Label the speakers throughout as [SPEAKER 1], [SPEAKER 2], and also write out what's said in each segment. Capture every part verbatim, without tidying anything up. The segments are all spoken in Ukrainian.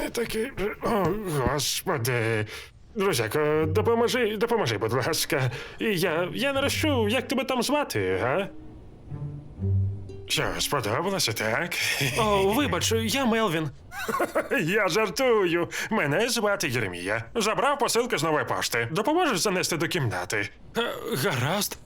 [SPEAKER 1] вони такі. О, господи. Друзяко, допоможи, допоможи, будь ласка. І я. я не розчув, як тебе там звати, га? Що, сподобалося, так?
[SPEAKER 2] О, вибач, я Мелвін.
[SPEAKER 1] Я жартую. Мене звати Єремія. Забрав посилку з нової пошти. Допоможеш занести до кімнати?
[SPEAKER 2] Е, Гаразд.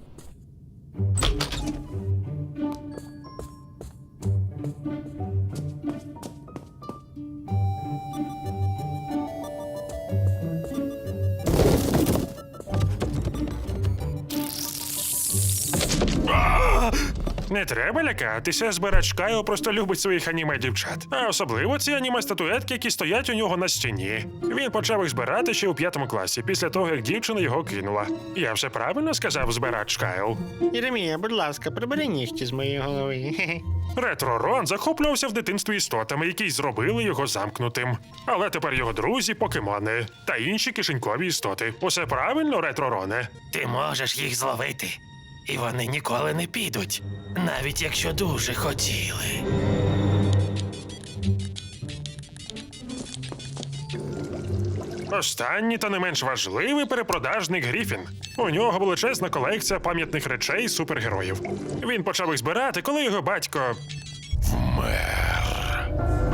[SPEAKER 1] Не треба лякатися, збирач Кайл просто любить своїх аніме-дівчат. А особливо ці аніме-статуетки, які стоять у нього на стіні. Він почав їх збирати ще у п'ятому класі, після того, як дівчина його кинула. Я все правильно сказав, збирач Кайл?
[SPEAKER 3] Єремія, будь ласка, прибери нігті з моєї голови. Хе-хе.
[SPEAKER 1] Ретро-Рон захоплювався в дитинстві істотами, які зробили його замкнутим. Але тепер його друзі – покемони та інші кишенькові істоти. Усе правильно, Ретро-Роне?
[SPEAKER 4] Ти можеш їх зловити, і вони ніколи не підуть, навіть якщо дуже хотіли.
[SPEAKER 1] Останній та не менш важливий перепродажник Гріфін. У нього величезна колекція пам'ятних речей супергероїв. Він почав їх збирати, коли його батько вмер.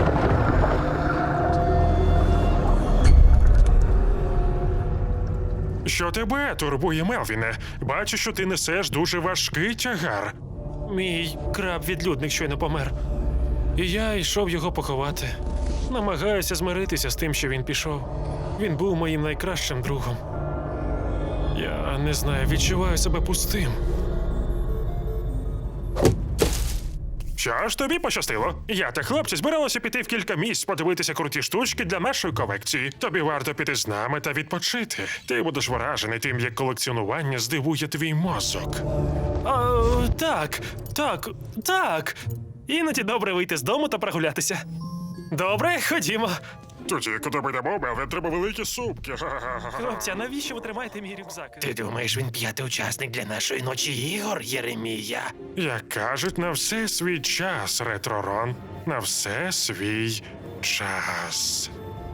[SPEAKER 1] Що тебе турбує, Мелвіне? Бачу, що ти несеш дуже важкий тягар.
[SPEAKER 2] Мій краб-відлюдник щойно помер. І я йшов його поховати. Намагаюся змиритися з тим, що він пішов. Він був моїм найкращим другом. Я не знаю, відчуваю себе пустим.
[SPEAKER 1] Що ж, тобі пощастило. Я та хлопці збиралися піти в кілька місць подивитися круті штучки для нашої колекції. Тобі варто піти з нами та відпочити. Ти будеш вражений тим, як колекціонування здивує твій мозок.
[SPEAKER 2] А, так, так, так. Іноді добре вийти з дому та прогулятися. Добре, ходімо.
[SPEAKER 1] Тоді, куди ми йдемо, Мелвін, треба великі сумки.
[SPEAKER 2] Хлопці, а навіщо ви тримаєте мій рюкзак?
[SPEAKER 4] Ти думаєш, він п'ятий учасник для нашої ночі ігор, Єремія?
[SPEAKER 1] Як кажуть, на все свій час, Ретро-Рон. На все свій час.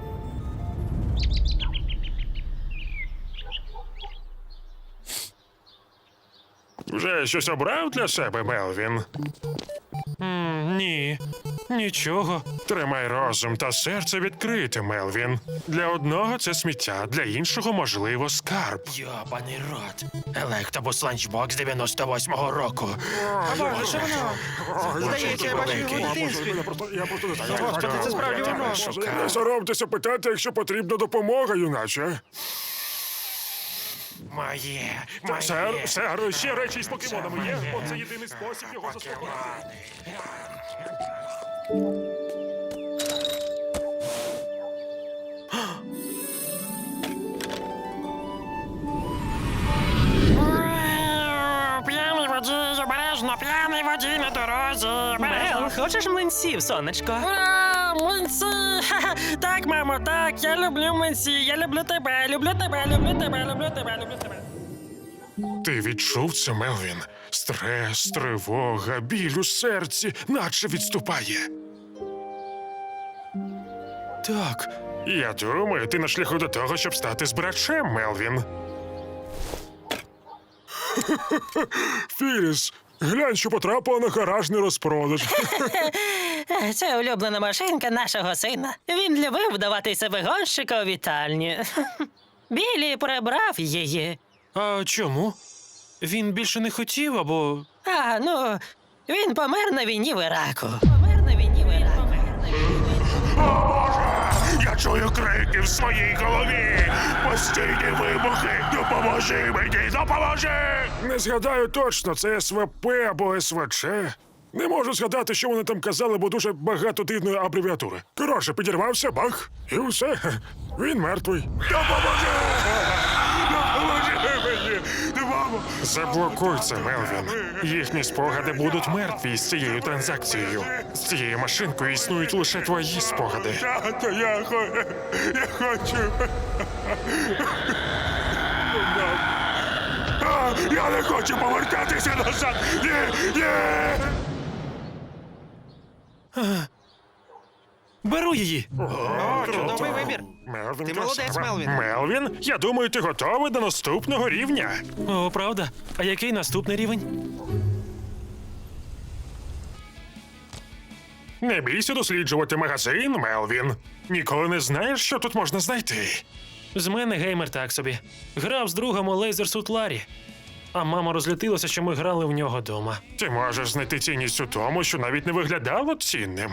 [SPEAKER 1] Вже щось обрав для себе, Мелвін?
[SPEAKER 2] М, ні, нічого.
[SPEAKER 1] Тримай розум та серце відкрите, Мелвін. Для одного це сміття, для іншого, можливо, скарб.
[SPEAKER 4] Йобаний рот. Електобус ланчбокс дев'яносто восьмого року.
[SPEAKER 3] Боже, воно! Здається, я бачив його в дитинстві.
[SPEAKER 1] Я просто не знаю.
[SPEAKER 3] Господи, це справді воно.
[SPEAKER 1] Не соромтеся питати, якщо потрібна допомога, юначе.
[SPEAKER 4] Моє, моє.
[SPEAKER 1] Сер, сер, ще речі з покемонами є? Бо це єдиний спосіб його заспокоїти.
[SPEAKER 3] П'яний водій, обережно, п'яний водій на дорозі.
[SPEAKER 2] Мел, хочеш млинців, сонечко?
[SPEAKER 3] Ура, млинці! Ха-ха. Так, мамо, так, я люблю млинці, я люблю тебе, люблю тебе, люблю тебе, люблю тебе, люблю тебе.
[SPEAKER 1] Ти відчув це, Мелвін? Стрес, тривога, біль у серці, наче відступає.
[SPEAKER 2] Так.
[SPEAKER 1] Я думаю, ти на шляху до того, щоб стати збирачем, Мелвін. Філіс, глянь, що потрапила на гаражний розпродаж.
[SPEAKER 5] Це улюблена машинка нашого сина. Він любив вдаватися вигонщика у вітальні. Білі прибрав її.
[SPEAKER 2] А чому? Він більше не хотів, або.
[SPEAKER 5] А, ну, він помер на війні в Іраку. Помер на війні в Іраку.
[SPEAKER 1] Я чую крики в своїй голові. Постійні вибухи. Допоможи мені, допоможи! Не згадаю точно, це ес ве пе або ес ве че. Не можу згадати, що вони там казали, бо дуже багато дивної абревіатури. Коротше, підірвався, бах, і все. Він мертвий. Допоможи! Допоможи мені! Мамо! Заблокуй це, Мелвін. Їхні спогади будуть мертві з цією транзакцією. З цією машинкою існують лише твої спогади. Тато, я, хо... я хочу. А, я не хочу повертатися назад. Ні, ні.
[SPEAKER 2] Беру її.
[SPEAKER 6] О, чудовий вибір.
[SPEAKER 1] Мелвін,
[SPEAKER 6] Ти молодець,
[SPEAKER 1] красава.
[SPEAKER 6] Мелвін.
[SPEAKER 1] Мелвін, я думаю, ти готовий до наступного рівня.
[SPEAKER 2] О, правда? А який наступний рівень?
[SPEAKER 1] Не бійся досліджувати магазин, Мелвін. Ніколи не знаєш, що тут можна знайти.
[SPEAKER 2] З мене геймер так собі. Грав з другом у Лейзерсут Ларі. А мама розлютилася, що ми грали в нього дома.
[SPEAKER 1] Ти можеш знайти цінність у тому, що навіть не виглядало цінним.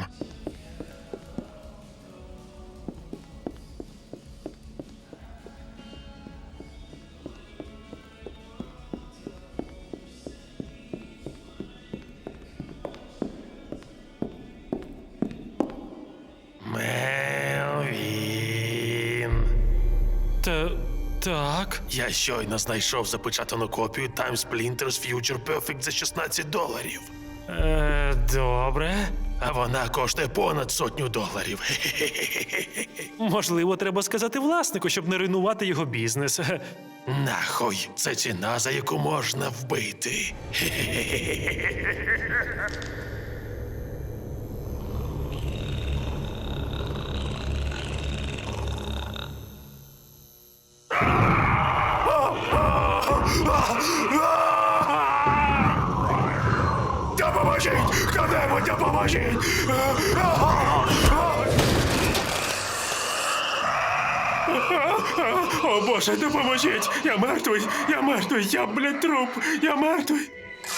[SPEAKER 4] Мелвін.
[SPEAKER 2] Та так.
[SPEAKER 4] Я щойно знайшов запечатану копію Time Splinters Future Perfect за шістнадцять доларів.
[SPEAKER 2] Е, добре.
[SPEAKER 4] А вона коштує понад сотню доларів.
[SPEAKER 2] Можливо, треба сказати власнику, щоб не руйнувати його бізнес.
[SPEAKER 4] Нахуй, це ціна, за яку можна вбити.
[SPEAKER 1] Допоможіть! Хто-небудь допоможіть! О, Боже, допоможіть! Я мертвий! Я мертвий! Я, блядь, труп! Я мертвий!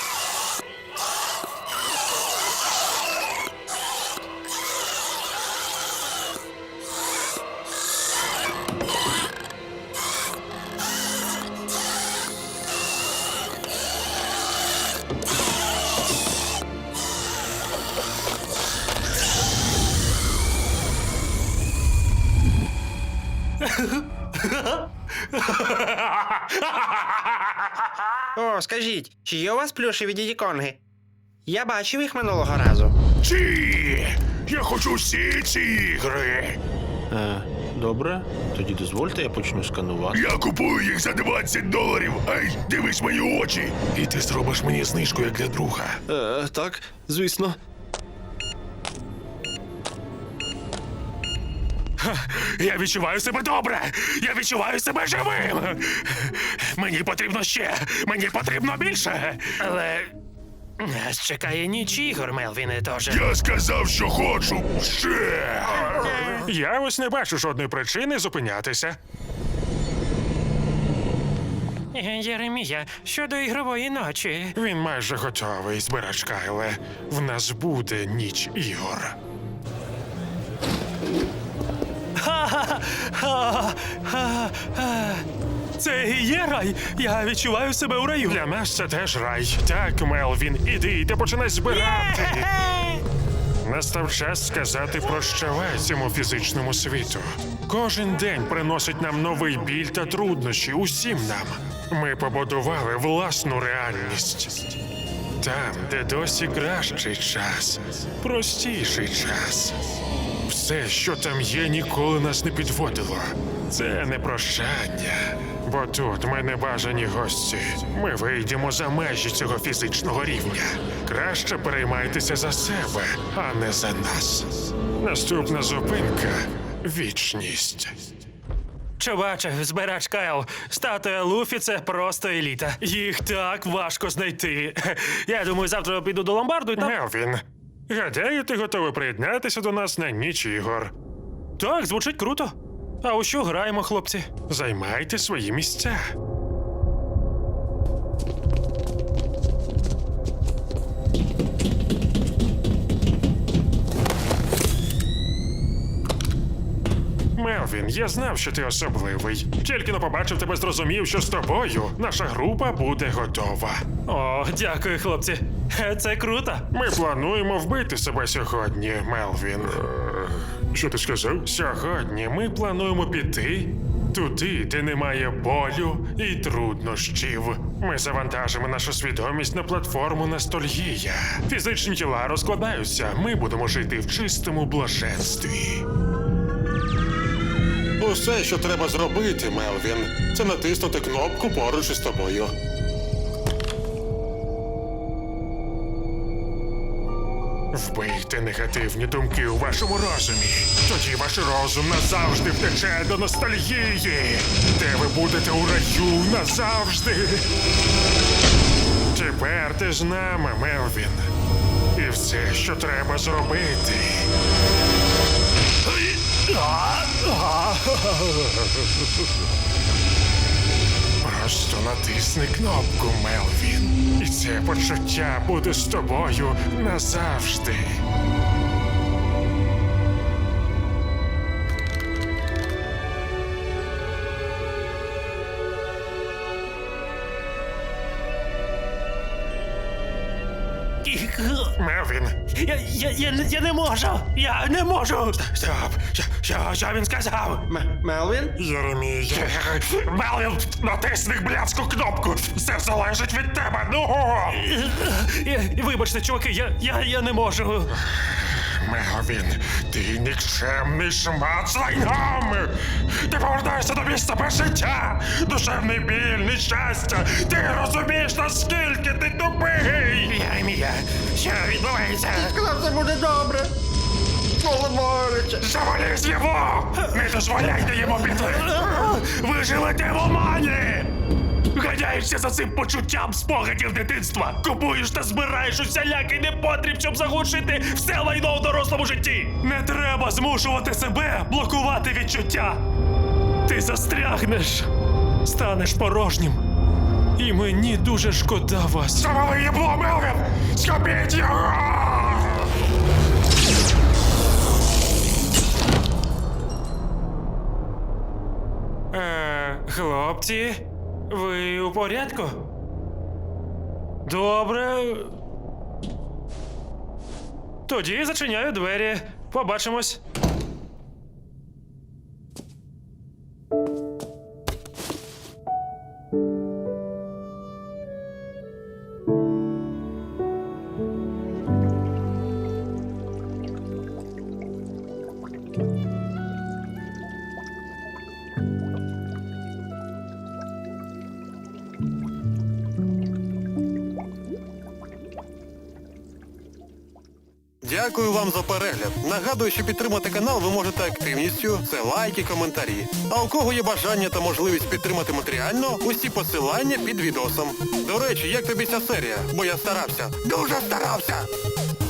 [SPEAKER 6] О, скажіть, чи є у вас плюшеві дідіконги? Я бачив їх минулого разу.
[SPEAKER 1] Ці! Я хочу всі ці ігри!
[SPEAKER 7] Е, добре, тоді дозвольте, я почну сканувати.
[SPEAKER 1] Я купую їх за двадцять доларів! Ай, дивись мої очі! І ти зробиш мені знижку, як для друга.
[SPEAKER 7] Е, так, звісно.
[SPEAKER 1] Я відчуваю себе добре! Я відчуваю себе живим! Мені потрібно ще! Мені потрібно більше!
[SPEAKER 4] Але нас чекає ніч ігор, Мелвіне, тож.
[SPEAKER 1] Я сказав, що хочу ще! Я ось не бачу жодної причини зупинятися.
[SPEAKER 2] Єремія, щодо ігрової ночі.
[SPEAKER 1] Він майже готовий, збирач Кайле. В нас буде ніч ігор.
[SPEAKER 2] Це і є рай. Я відчуваю себе у раю.
[SPEAKER 1] Для нас це теж рай. Так, Мелвін, іди, ти починай збирати. Настав час сказати прощавай цьому фізичному світу. Кожен день приносить нам новий біль та труднощі усім нам. Ми побудували власну реальність. Там, де досі кращий час, простіший час. Все, що там є, ніколи нас не підводило. Це не прощання. Бо тут ми не бажані гості. Ми вийдемо за межі цього фізичного рівня. Краще переймайтеся за себе, а не за нас. Наступна зупинка вічність.
[SPEAKER 2] Чуваче, збирач Кайл, статуя Луфі — це просто еліта. Їх так важко знайти. Я думаю, завтра піду до ломбарду і там...
[SPEAKER 1] Мелвін, гадаю, ти готовий приєднатися до нас на ніч ігор.
[SPEAKER 2] Так, звучить круто. А у що граємо, хлопці?
[SPEAKER 1] Займайте свої місця. Мелвін, я знав, що ти особливий. Тільки но побачив тебе, зрозумів, що з тобою наша група буде готова.
[SPEAKER 2] О, дякую, хлопці. Це круто.
[SPEAKER 1] Ми плануємо вбити себе сьогодні, Мелвін. Що ти сказав? Сьогодні ми плануємо піти туди, де немає болю і труднощів. Ми завантажимо нашу свідомість на платформу Ностальгія. Фізичні тіла розкладаються. Ми будемо жити в чистому блаженстві.
[SPEAKER 8] Усе, що треба зробити, Мелвін, це натиснути кнопку поруч із тобою.
[SPEAKER 1] Вбийте негативні думки у вашому розумі. Тоді ваш розум назавжди втече до ностальгії, де ви будете у раю назавжди. Тепер ти з нами, Мелвін. І все, що треба зробити. Просто натисни кнопку, Мелвін. І це почуття буде з тобою назавжди. Мелвін,
[SPEAKER 4] Я, я, я, не- я не можу! Я не можу!
[SPEAKER 1] стоп! Що, що, що він сказав?
[SPEAKER 6] М- Мелвін?
[SPEAKER 1] Єремій, Мелвін, натисни блядську кнопку! Все залежить від тебе, ну!
[SPEAKER 2] Я- Вибачте, чуваки, я, я, я не можу.
[SPEAKER 1] Мелвін, ти нікчемний шмат з лайном! Ти повертаєшся до місця без життя! Душевний біль, нещастя! Ти розумієш, наскільки ти тупий!
[SPEAKER 4] Єремія, що відбувається?
[SPEAKER 6] Сказав, все буде добре. Але боляче.
[SPEAKER 1] Завались його! Не дозволяйте йому піти!
[SPEAKER 2] Ви живете в омані! Ганяєшся за цим почуттям спогадів дитинства! Купуєш та збираєш усілякий непотріб, щоб заглушити все лайно в дорослому житті! Не треба змушувати себе блокувати відчуття! Ти застрягнеш, станеш порожнім. І мені дуже шкода вас.
[SPEAKER 1] Завали їбло, Мелвін! Схопіть його!
[SPEAKER 2] Е, хлопці, ви у порядку? Добре. Тоді зачиняю двері. Побачимось.
[SPEAKER 9] Дякую вам за перегляд. Нагадую, що підтримати канал ви можете активністю, це лайки, коментарі. А у кого є бажання та можливість підтримати матеріально, усі посилання під відосом. До речі, як тобі ця серія? Бо я старався. Дуже старався!